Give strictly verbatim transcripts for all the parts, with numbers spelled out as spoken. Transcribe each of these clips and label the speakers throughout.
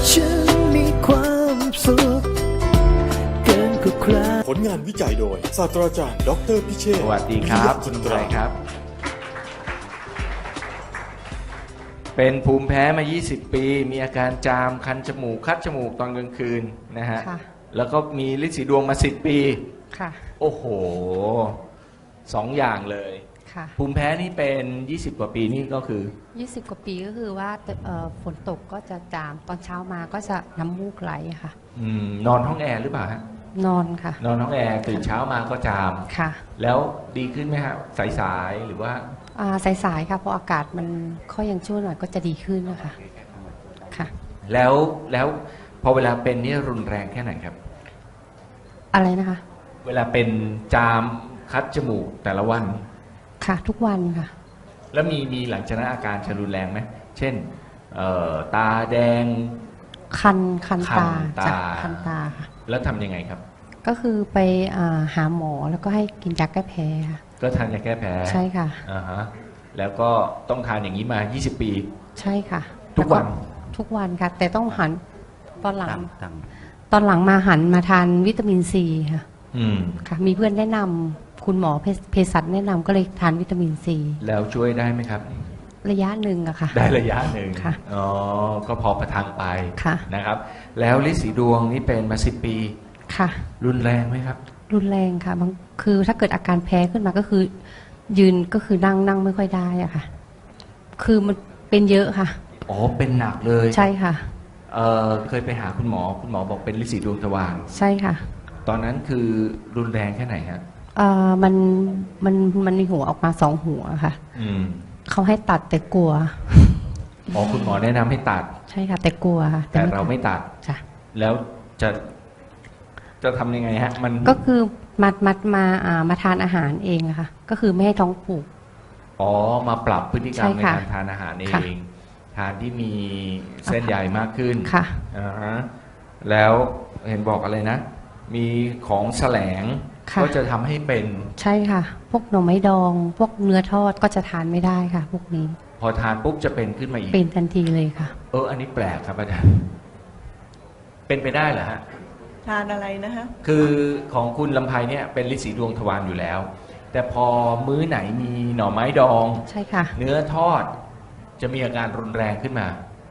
Speaker 1: ฉันมีความสุขเกินกว่าใคร
Speaker 2: ผลงานวิจัยโดยศาสตราจารย์ดรพิเชษฐ์
Speaker 3: สวัสดีครับ
Speaker 2: วิ
Speaker 3: คุณ
Speaker 2: ท
Speaker 3: ลุง
Speaker 2: ยา
Speaker 3: ไพ
Speaker 2: จิตรา
Speaker 3: ครับ เป็นภูมิแพ้มา ยี่สิบ ปี มีอาการจามคันจมูกคัดจมูกตอนกลางคืนนะฮะ
Speaker 4: ค่ะ
Speaker 3: แล้วก็มีฤทธิ์สีดวงมา สิบ ปี
Speaker 4: ค่ะ
Speaker 3: โอ้โหสองอย่างเลย
Speaker 4: ค่ะ
Speaker 3: ภูมิแพ้นี่เป็น ยี่สิบ กว่าปีนี่ก็คือ
Speaker 4: ยี่สิบกว่าปีก็คือว่าเอ่อฝนตกก็จะจามตอนเช้ามาก็จะน้ำมูกไหลค่ะ
Speaker 3: อืมนอนห้องแอร์หรือเปล่าฮะ
Speaker 4: นอนค่ะ
Speaker 3: นอนห้องแอร์ตื่นเช้ามาก็จาม
Speaker 4: ค่ะ
Speaker 3: แล้วดีขึ้นไหมฮะสายๆหรือว่า
Speaker 4: อ่าสายๆค่ะเพราะอากาศมันค่อยยังชั่วหน่อยก็จะดีขึ้นนะคะค่ะ
Speaker 3: แล้วแล้วพอเวลาเป็นนี่รุนแรงแค่ไหนครับ
Speaker 4: อะไรนะคะ
Speaker 3: เวลาเป็นจามคัดจมูกแต่ละวัน
Speaker 4: ค่ะทุกวันค่ะ
Speaker 3: แล้วมีมีหลังจากนั้นอาการจะรุนแรงไหมเช่นเอ่อตาแดง
Speaker 4: คันคัน
Speaker 3: คัน
Speaker 4: ตา
Speaker 3: ตา
Speaker 4: จากคันตาค่ะ
Speaker 3: แล้วทำยังไงครับ
Speaker 4: ก็คือไปอ่าหาหมอแล้วก็ให้กินยาแก้แพ้ค่ะ
Speaker 3: ก็ทานยาแก้แพ้
Speaker 4: ใช่ค่ะ
Speaker 3: อ่าฮะแล้วก็ต้องทานอย่างนี้มา ยี่สิบ ปี
Speaker 4: ใช่ค่ะ
Speaker 3: ทุกวัน
Speaker 4: แล้ทุกวันค่ะ แต่ต้องหันตอนหลังตอนหลังมาหันมาทานวิตามินซีค่ะ
Speaker 3: อืม
Speaker 4: ค่ะมีเพื่อนแนะนำคุณหมอเภสเภสัชแนะนำก็เลยทานวิตามินซี
Speaker 3: แล้วช่วยได้ไหมครับ
Speaker 4: ระยะหนึ่งอะค่ะ
Speaker 3: ได้ระยะหนึ่ง
Speaker 4: ค่ะ
Speaker 3: อ๋อก็พอประทังไป
Speaker 4: ค่ะ
Speaker 3: นะครับ แล้วฤทธิ์สีดวงนี่เป็นมา สิบ ปี
Speaker 4: ค่ะ
Speaker 3: รุนแรงไหมครับ
Speaker 4: รุนแรงค่ะบางคือถ้าเกิดอาการแพ้ขึ้นมาก็คือ ยืนก็คือนั่งนั่งไม่ค่อยได้อะค่ะ คือมันเป็นเยอะค่ะ
Speaker 3: อ๋อเป็นหนักเลย
Speaker 4: ใช่ค่ะ
Speaker 3: เออเคยไปหาคุณหมอคุณหมอบอกเป็นฤทธิ์สีดวงทวาร
Speaker 4: ใช่ค่ะ
Speaker 3: ตอนนั้นคือรุนแรงแค่ไหนฮะ
Speaker 4: เอ่อมันมันมันมีหัวออกมาสองหัวค่ะ
Speaker 3: อืม
Speaker 4: เขาให้ตัดแต่กลัว
Speaker 3: อ๋อคุณหมอแนะนำให้ตัด
Speaker 4: ใช่ค่ะ แต่กลัวค่ะ
Speaker 3: แต่เราไม่ตัด
Speaker 4: จ้ะ
Speaker 3: แล้วจะจะทำยังไงฮะ มัน
Speaker 4: ก็คือมัดมัดมาอ่ามาทานอาหารเองอะค่ะ ก็คือไม่ให้ท้องผูก
Speaker 3: อ๋อมาปรับพฤติกรรม
Speaker 4: ใช่
Speaker 3: ใน
Speaker 4: ค่ะ
Speaker 3: การทานอาหารเอ
Speaker 4: ค่ะ
Speaker 3: ง ทานที่มีเส้นใหญ่มากขึ้น
Speaker 4: ค่ะ
Speaker 3: อ่าฮะแล้วเห็นบอกอะไรนะ มีของแสลง
Speaker 4: ค่ะ
Speaker 3: ก็จะทำให้เป็น
Speaker 4: ใช่ค่ะ พวกหน่อไม้ดอง พวกเนื้อทอดก็จะทานไม่ได้ค่ะ พวกนี้
Speaker 3: พอทานปุ๊บจะเป็นขึ้นมาอีก
Speaker 4: เป็นทันทีเลยค่ะ
Speaker 3: เอออันนี้แปลกครับอาจารย์เป็นไปได้เหรอฮะ
Speaker 5: ทานอะไรนะฮะ
Speaker 3: คือของคุณลำไพเนี่ยเป็นฤทธิ์สีดวงทวารอยู่แล้ว แต่พอมื้อไหนมีหน่อไม้ดอง
Speaker 4: ใช่ค่ะ
Speaker 3: เนื้อทอดจะมีอาการรุนแรงขึ้นมา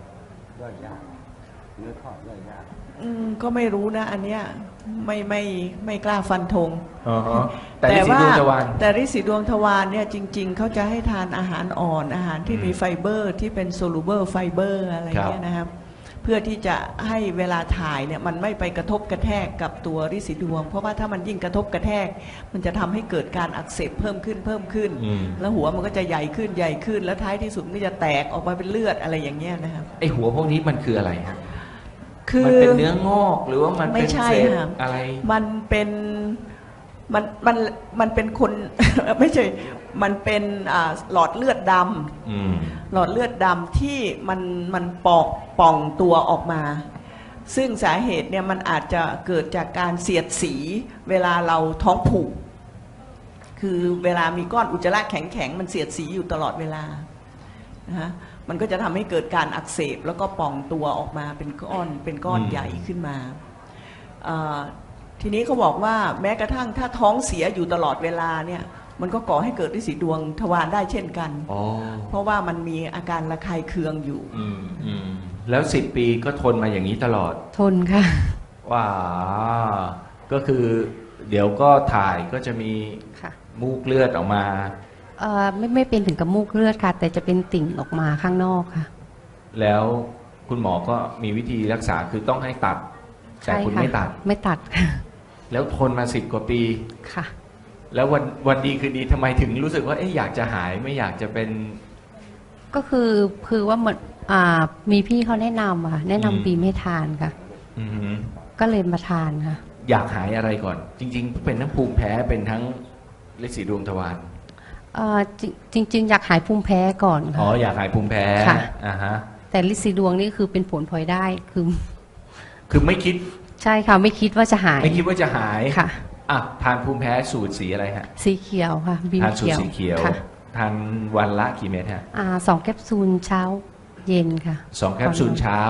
Speaker 5: อืมก็ไม่รู้นะ อันเนี้ยไม่ไม่ไม่กล้าฟันธง
Speaker 3: อ๋อฮะแต่ฤทธิ์สีดวงทวาร
Speaker 5: แต่ฤทธิ์สีดวงทวารเนี่ยจริง ๆ เขาจะให้ทานอาหารอ่อนอาหารที่มีไฟเบอร์ที่เป็นโซลูเบอร์ไฟเบอร์อะไรเงี้ยนะครับเพื่อที่จะให้เวลาถ่ายเนี่ยมันไม่ไปกระทบกระแทกกับตัวฤทธิ์สีดวง เพราะว่าถ้ามันยิ่งกระทบกระแทก มันจะทำให้เกิดการอักเสบเพิ่มขึ้นเพิ่มขึ้น
Speaker 3: อืม
Speaker 5: แล้วหัวมันก็จะใหญ่ขึ้นใหญ่ขึ้น แล้วท้ายที่สุดมันก็จะแตกออกมาเป็นเลือดอะไรอย่างเงี้ยนะครับ
Speaker 3: ไอหัวพวกนี้มันคืออะไรฮะ
Speaker 5: คือ
Speaker 3: มันเป็นเนื้องอกหรือว่ามัน
Speaker 5: ไม่
Speaker 3: เป็น
Speaker 5: ใช่
Speaker 3: เศษ
Speaker 5: ค่ะ
Speaker 3: อะไร
Speaker 5: มันเป็นมันมันมันเป็นคน ไม่ใช่ มันเป็นอ่าหลอดเลือดด
Speaker 3: อืม
Speaker 5: ำหลอดเลือดดำที่มันมันปอกป่องตัวออกมา ซึ่งสาเหตุเนี่ยมันอาจจะเกิดจากการเสียดสีเวลาเราท้องผูก คือเวลามีก้อนอุจจาระแข็งๆมันเสียดสีอยู่ตลอดเวลานะฮะมันก็จะทำให้เกิดการอักเสบแล้วก็ป่องตัวออกมาเป็นก้อนเป็นก้อน
Speaker 3: อืม
Speaker 5: ใหญ่ขึ้นมาเอ่อทีนี้เขาบอกว่าแม้กระทั่งถ้าท้องเสียอยู่ตลอดเวลาเนี่ยมันก็ก่อให้เกิดฤทธิ์สีดวงทวารได้เช่นกัน
Speaker 3: อ๋อ
Speaker 5: เพราะว่ามันมีอาการระคายเคืองอยู่
Speaker 3: อืมอืมแล้วสิบปีก็ทนมาอย่างนี้ตลอด
Speaker 4: ทนค่ะ
Speaker 3: ว้าก็คือเดี๋ยวก็ถ่ายก็จะมี
Speaker 4: ค่ะ
Speaker 3: มูกเลือดออกมา
Speaker 4: เอ่อไม่ไม่เป็นถึงกับมูกเลือดค่ะ แต่จะเป็นติ่งออกมาข้างนอกค่ะ
Speaker 3: แล้วคุณหมอก็มีวิธีรักษาคือต้องให้ตัด แต่
Speaker 4: ใช่
Speaker 3: คุณ
Speaker 4: ค่ะ
Speaker 3: ไม่ตัด
Speaker 4: ไม่ตัดค่ะ
Speaker 3: แล้วทนมาสิบกว่าปี
Speaker 4: ค่ะ
Speaker 3: แล้ววันวันดีคือดีทำไมถึงรู้สึกว่าเอ๊ะอยากจะหายไม่อยากจะเป็น
Speaker 4: ก็คือคือว่าเหมือนอ่ามีพี่เขาแนะนำอะค่ะแนะ
Speaker 3: อืม
Speaker 4: นำบีมให้ทานค่ะ
Speaker 3: อือหือ
Speaker 4: ก็เลยมาทานค่ะ
Speaker 3: อยากหายอะไรก่อน จริง ๆ เป็นทั้งภูมิแพ้เป็นทั้งฤทธิ์สีดวงทวาร
Speaker 4: เอ่อจริงจริง ๆ อยากหายภูมิแพ้ก่อน
Speaker 3: อ๋อ
Speaker 4: ค่ะ
Speaker 3: อยากหายภูมิแพ้
Speaker 4: ค่ะ
Speaker 3: อ่าฮะ
Speaker 4: แต่ลิซีดวงนี่คือเป็นผลพลอยได้คือ
Speaker 3: คือไม่คิด
Speaker 4: ใช่ค่ะไม่คิดว่าจะหาย
Speaker 3: ไม่คิดว่าจะหาย
Speaker 4: ค่ะ
Speaker 3: อ่ะทานภูมิแพ้สูตรสีอะไรฮะ
Speaker 4: สีเขียวค่ะบีม
Speaker 3: ทานสูตร
Speaker 4: เขียว
Speaker 3: สีเขียว
Speaker 4: ค่ะ
Speaker 3: ทานวันละกี่เม็ดฮะ
Speaker 4: อ่าสองแคปซูลเช้าเย็นค่ะ
Speaker 3: สองแคปซูลเช้า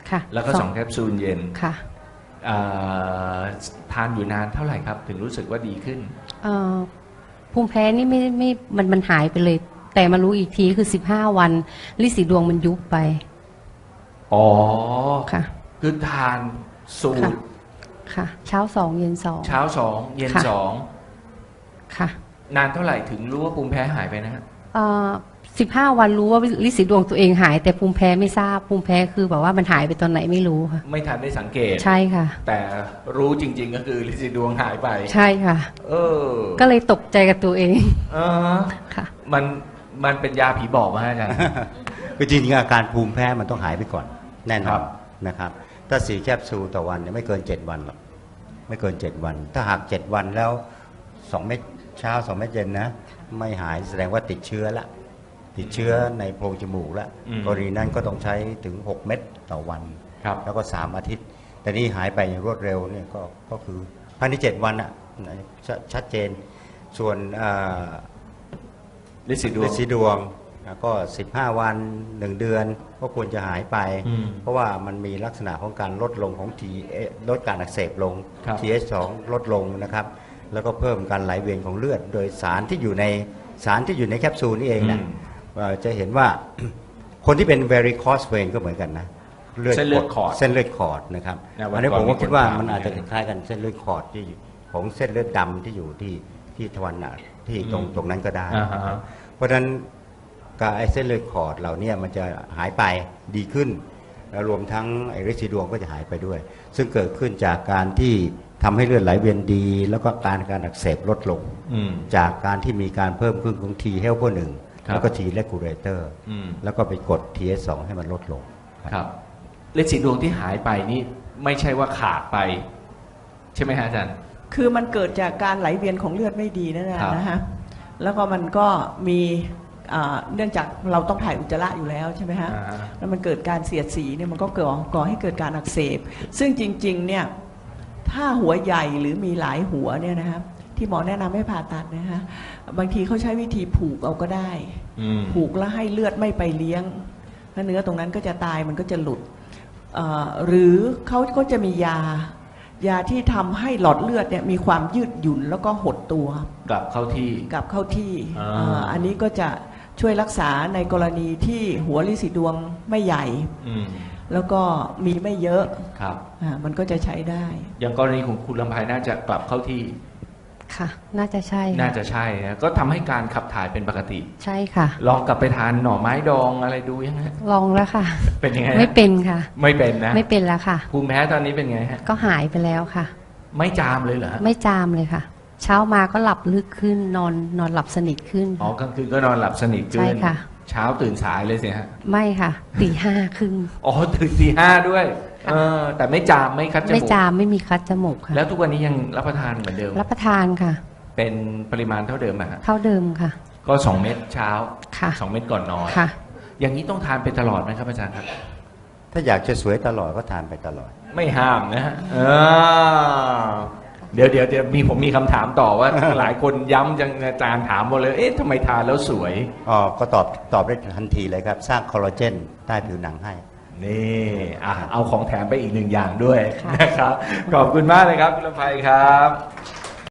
Speaker 4: ค่ะ
Speaker 3: แล้วก็สองแคปซูลเย็น
Speaker 4: ค่ะ
Speaker 3: เอ่อทานอยู่นานเท่าไหร่ครับ ถึงรู้สึกว่าดีขึ้น
Speaker 4: เอ่อภูมิแพ้นี่ไม่ไม่มันมันหายไปเลย แต่มารู้อีกทีคือสิบห้าวันลิสีดวงมันยุบไป
Speaker 3: อ๋อ
Speaker 4: ค่ะ
Speaker 3: คือทานสู
Speaker 4: ค่ะ
Speaker 3: ตร
Speaker 4: ค่ะ เช้าสองเย็นสอง
Speaker 3: เช้าสองเย็น
Speaker 4: ค่ะ
Speaker 3: สอง
Speaker 4: ค่ะ
Speaker 3: นานเท่าไหร่ถึงรู้ว่าภูมิแพ้หายไปนะฮะ
Speaker 4: เอ่อสิบห้าวันรู้ว่าลิสีดวงตัวเองหาย แต่ภูมิแพ้ไม่ทราบภูมิแพ้คือแบบว่ามันหายไปตอนไหนไม่รู้ค่ะ
Speaker 3: ไม่ทันได้สังเกต
Speaker 4: ใช่ค่ะ
Speaker 3: แต่รู้จริง ๆ ก็คือลินซีดวงหายไป
Speaker 4: ใช่ค่ะ
Speaker 3: เออ
Speaker 4: ก็เลยตกใจกับตัวเอง
Speaker 3: เออ
Speaker 4: ค่ะ
Speaker 3: มันมันเป็นยาผีบอกมาอาจารย์
Speaker 6: คือจริงๆอาการภูมิแพ้มันต้องหายไปก่อนแน่น
Speaker 3: ครั
Speaker 6: อน
Speaker 3: บ
Speaker 6: นะครับถ้าสี่แคปซูลต่อวันเนี่ยไม่เกินเจ็ดวันหรอกไม่เกินเจ็ดวัน ถ้าหากเจ็ดวันแล้วสองเม็ดเช้าสองเม็ดเย็นนะไม่หายแสดงว่าติดเชื้อละติดเชื้อในโพรงจมูกแล้วกรณีนั้นก็ต้องใช้ถึงหกเม็ดต่อวัน
Speaker 3: ครับ
Speaker 6: แล้วก็สามอาทิตย์ แต่นี่หายไปอย่างรวดเร็วเนี่ยก็ก็คือภายในเจ็ดวันอ่ะชชัดเจนส่วนอ่า
Speaker 3: ลินซีดว
Speaker 6: ฤ
Speaker 3: ง
Speaker 6: ทธิ์สีดวงนะก็สิบห้าวันหนึ่งเดือนก็ควรจะหายไป
Speaker 3: อืม
Speaker 6: เพราะว่ามันมีลักษณะของการลดลงของ T ลดการอักเสบลง
Speaker 3: ครับ
Speaker 6: ที เอช สอง ลดลงนะครับแล้วก็เพิ่มการไหลเวียนของเลือด โดยสารที่อยู่ในสารที่อยู่ในแคปซูลนี่เองนะ
Speaker 3: อืม
Speaker 6: เอ่อจะเห็นว่า คนที่เป็น varicose vein ก็เหมือนกันนะ
Speaker 3: เส้นเลือดขอด
Speaker 6: เส้นเลือดขอดนะครับ
Speaker 3: นะวัน
Speaker 6: อันนี้
Speaker 3: ก่อน
Speaker 6: ผมก็คิดว่า
Speaker 3: มีคนถาม
Speaker 6: มันอาจจะ
Speaker 3: เหมือนกัน
Speaker 6: คล้ายกันเส้นเลือดขอดที่ของเส้นเลือดดำที่อยู่ที่ที่ทวารหนักที่ตรง
Speaker 3: อืม
Speaker 6: ตรงนั้นก็ได้
Speaker 3: อ่าฮะ
Speaker 6: เพราะฉะนั้นการไอ้เส้นเลือดขอดเหล่านี้มันจะหายไปดีขึ้น แล้วรวมทั้งไอ้ฤทธิ์สีดวงก็จะหายไปด้วย ซึ่งเกิดขึ้นจากการที่ทำให้เลือดไหลเวียนดี แล้วก็การการอักเสบลดลง
Speaker 3: อืม
Speaker 6: จากการที่มีการเพิ่มขึ้นของ T helper หนึ่ง
Speaker 3: ครับ
Speaker 6: แล้วก็ T regulator
Speaker 3: อืม
Speaker 6: แล้วก็ไปกด ที เอช สอง ให้มันลดลง
Speaker 3: ครับลินซีดวงที่หายไปนี่ไม่ใช่ว่าขาดไป ใช่ไหมฮะอาจารย์
Speaker 5: คือมันเกิดจากการไหลเวียนของเลือดไม่ดีนั่นแหละ
Speaker 3: ครับ
Speaker 5: นะฮะ แล้วก็มันก็มีอ่าเนื่องจากเราต้องถ่ายอุจจาระอยู่แล้วใช่ไหมฮะ
Speaker 3: อ่าฮะ
Speaker 5: แล้วมันเกิดการเสียดสีเนี่ยมันก็ก่อก่อให้เกิดการอักเสบ ซึ่งจริงๆเนี่ยถ้าหัวใหญ่หรือมีหลายหัวเนี่ยนะครับที่หมอแนะนำให้ผ่าตัดนะฮะบางทีเขาใช้วิธีผูกเอาก็ได้
Speaker 3: อืม
Speaker 5: ผูกแล้วให้เลือดไม่ไปเลี้ยงแล้วเนื้อตรงนั้นก็จะตายมันก็จะหลุดเอ่อหรือเขาก็จะมียา ยาที่ทำให้หลอดเลือดเนี่ยมีความยืดหยุ่นแล้วก็หดตัว
Speaker 3: กลับเข้าที่
Speaker 5: กลับเข้าที่
Speaker 3: อ่า
Speaker 5: เอ่ออันนี้ก็จะช่วยรักษาในกรณีที่หัวลิสีดวงไม่ใหญ่
Speaker 3: อืม
Speaker 5: แล้วก็มีไม่เยอะ
Speaker 3: ครับ
Speaker 5: อ่ามันก็จะใช้ได้
Speaker 3: อย่างกรณีของคุณลำไพน่าจะกลับเข้าที่
Speaker 4: ค่ะ น่าจะใช่ค่ะ
Speaker 3: น่าจะใช่นะก็ทำให้การขับถ่ายเป็นปกติ
Speaker 4: ใช่ค่ะ
Speaker 3: ลองกลับไปทานหน่อไม้ดองอะไรดูยังไง
Speaker 4: ลองแล้วค่ะ
Speaker 3: เป็นยังไงฮะ
Speaker 4: ไม่เป็นค่ะ
Speaker 3: ไม่เป็นนะ
Speaker 4: ไม่เป็นแล้วค่ะ
Speaker 3: ภูมิแพ้ตอนนี้เป็นไงฮะ
Speaker 4: ก็หายไปแล้วค่ะ
Speaker 3: ไม่จามเลยเหรอฮะ
Speaker 4: ไม่จามเลยค่ะ เช้ามาก็หลับลึกขึ้นนอนนอนหลับสนิทขึ้น
Speaker 3: อ๋อกลางคืนก็นอนหลับสนิทขึ้น
Speaker 4: ใช่ค่ะ
Speaker 3: เช้าตื่นสายเลยสิฮะ
Speaker 4: ไม่ค่ะตีห้าครึ่ง
Speaker 3: อ๋อตื่นตีห้าด้วย เออ แต่ไม่จามไม่คัดจมูก
Speaker 4: ไม่จามไม่มีคัดจมูกค่ะ
Speaker 3: แล้วทุกวันนี้ยังรับประทานเหมือนเดิม
Speaker 4: รับประทานค่ะ
Speaker 3: เป็นปริมาณเท่าเดิมอะฮะ
Speaker 4: เท่าเดิมค่ะ
Speaker 3: ก็สองเม็ดเช้า
Speaker 4: ค่ะ
Speaker 3: สองเม็ดก่อนนอน
Speaker 4: ค่ะ
Speaker 3: อย่างนี้ต้องทานไปตลอดไหมครับอาจารย์ครับ
Speaker 6: ถ้าอยากจะสวยตลอดก็ทานไปตลอด
Speaker 3: ไม่ห้ามนะฮะเออเดี๋ยวเดี๋ยวเดี๋ยวมีผมมีคำถามต่อว่า หลายคนย้ำจังอาจารย์ถามหมดเลย เอ๊ะทำไมทานแล้วสวย
Speaker 6: อ๋อ ก็ตอบตอบได้ทันทีเลยครับ สร้างคอลลาเจนใต้ผิวหนังให้
Speaker 3: นี่อ่ะเอาของแถมไปอีกหนึ่งอย่างด้วย
Speaker 4: ค่ะ
Speaker 3: นะครับ ขอบคุณมากเลยครับคุณลำไพครับ